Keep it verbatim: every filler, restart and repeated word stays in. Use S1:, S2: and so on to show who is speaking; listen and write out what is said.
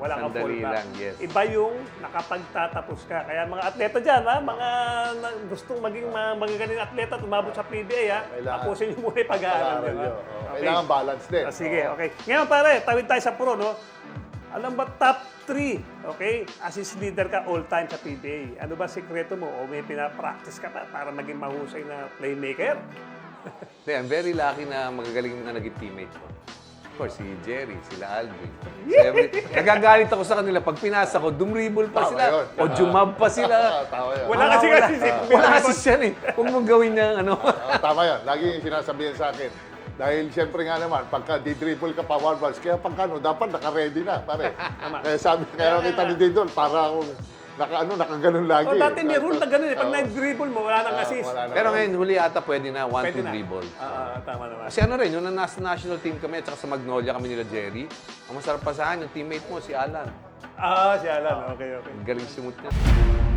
S1: wala kang
S2: Sandali
S1: fallback.
S2: lang, yes.
S1: Iba yung nakapagtatapos ka. Kaya mga atleta dyan, ha? Mga na- gustong maging mga magagaling atleta at umabot sa P B A, ha?
S3: Kailangan-
S1: Tapusin niyo muna yung pag-aaral.
S3: Pag-aaral
S1: di ba?
S3: yun. Oo. Kailangan balance din.
S1: Ah, sige, okay. Ngayon pare, tawid tayo sa pro, no? Alam ba top three, okay? Assist leader ka all time sa P B A. Ano ba sikreto mo? O may pinapractice ka pa para maging mahusay na playmaker?
S2: Hindi, I'm very lucky na magagaling na naging teammate ko. Of course, si Jerry, sila Alvin. Si every... Nagagalit ako sa kanila. Pag pinasa ko, dumribble pa
S3: Tama
S2: sila.
S3: yun.
S2: O jumab pa sila.
S3: Tama yun.
S1: Wala
S2: Ah,
S1: kasi
S2: wala.
S1: kasi si
S2: Wala kasi siya eh. Huwag mong gawin niya ano.
S3: Oo, tama yan. Lagi yung sinasabihan sa akin. Dahil siyempre nga naman, pagka di-dribble ka pa one balls, kaya pagka ano, dapat naka-ready na, pare. Kaya sabi, kaya kita ni Dindol, para akong naka, ano, nakaganon lagi.
S1: O dati may
S3: eh.
S1: rule na gano'n eh. Pag
S3: Oo.
S1: nag-dribble mo, wala nang
S3: Ah,
S1: assist.
S3: wala na.
S2: Pero ngayon, huli ata pwede na one
S1: Pwede
S2: to
S1: na.
S2: dribble.
S1: Ah, ah, tama naman.
S2: Kasi ano rin, yung nasa national team kami at saka sa Magnolia kami nila Jerry, ang masarap pa sa akin, yung teammate mo, si Alan.
S1: Ah, si Alan. Okay, okay.
S2: Galing simut niya.